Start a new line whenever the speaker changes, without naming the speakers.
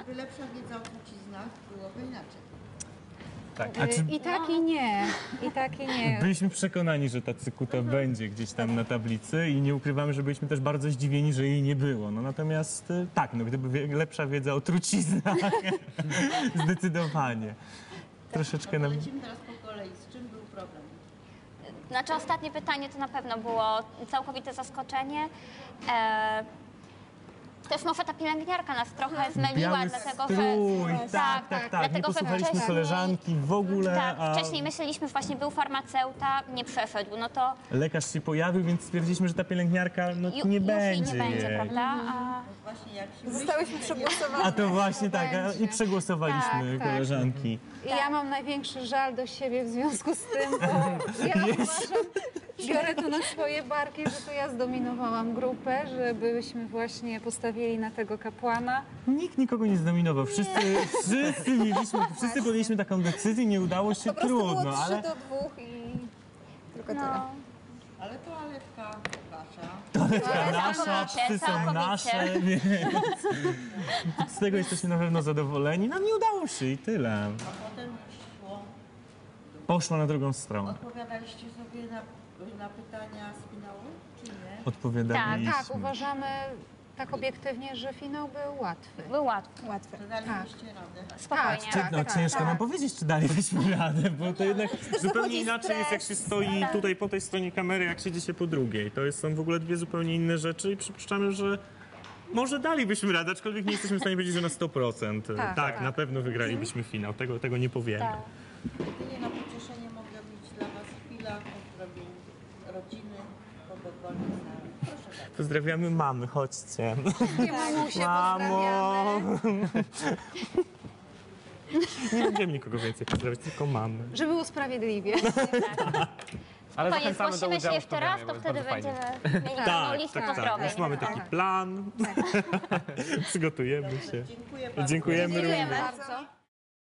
Gdyby lepsza wiedza o truciznach, byłoby inaczej.
Tak.
I tak i nie. I tak i nie.
Byliśmy przekonani, że ta cykuta będzie gdzieś tam na tablicy i nie ukrywamy, że byliśmy też bardzo zdziwieni, że jej nie było. No natomiast tak, no gdyby lepsza wiedza o truciznach, zdecydowanie. Troszeczkę nam...
Lecimy teraz po kolei. Z czym był problem?
Znaczy ostatnie pytanie to na pewno było całkowite zaskoczenie. Też może ta pielęgniarka nas trochę zmyliła,
Biały
dlatego
strój,
że...
tak. Nie
dlatego, że
posłuchaliśmy
wcześniej-
koleżanki w ogóle,
Tak,
a
wcześniej myśleliśmy, właśnie był farmaceuta, nie przeszedł, no to
lekarz się pojawił, więc stwierdziliśmy, że ta pielęgniarka no,
już
nie
jej
będzie
nie będzie,
jej.
prawda? A...
Właśnie jak się
Zostałyśmy przegłosowane.
A to właśnie tak, i przegłosowaliśmy
Tak.
koleżanki.
I ja mam największy żal do siebie w związku z tym, bo ja uważam, biorę to na swoje barki, że to ja zdominowałam grupę, żebyśmy właśnie postawili na tego kapłana.
Nikt nikogo nie zdominował. Wszyscy podjęliśmy taką decyzję, nie udało się,
Po prostu było
trudno,
3
ale
do 2 i tylko tyle.
No.
Ale toaletka wasza.
nasza, psy są
całkowicie.
nasze, więc z tego jesteśmy na pewno zadowoleni. Nam nie udało się i tyle.
A potem szło.
Poszła na drugą stronę.
Odpowiadaliście sobie na pytania z finału, czy nie?
Odpowiadaliśmy.
Tak, uważamy tak obiektywnie, że finał był łatwy.
Był łatwy,
Łatwe.
Że dalibyście radę.
spokojnie.
Tak.
No ciężko nam powiedzieć, czy dalibyśmy radę, bo to jednak zupełnie
dochodzi
inaczej jest, jak się stoi tutaj po tej stronie kamery, jak siedzi się po drugiej. To są w ogóle dwie zupełnie inne rzeczy i przypuszczamy, że może dalibyśmy radę, aczkolwiek nie jesteśmy w stanie powiedzieć, że na 100%. Tak, na pewno wygralibyśmy finał, tego nie powiemy.
Tak.
Jedynie na pocieszenie mogę mieć dla was chwila pozdrowień rodziny, kogo wolnych znamy. Proszę bardzo.
Pozdrawiamy mamy, chodźcie.
Nie mamusie,
Mamo!
pozdrawiamy.
Nie będziemy nikogo więcej pozdrawiać, tylko mamy.
Żeby było sprawiedliwie.
Ale
Koniec,
zachęcamy do
zgłosimy się
udziału w
jeszcze raz,
programie,
to
bo jest
wtedy
bardzo fajnie.
będziemy mieli pełną listę pozdrowień.
Już mamy taki plan. Przygotujemy się.
Dziękuję bardzo.
Dziękujemy
Dziękujemy
również.
bardzo.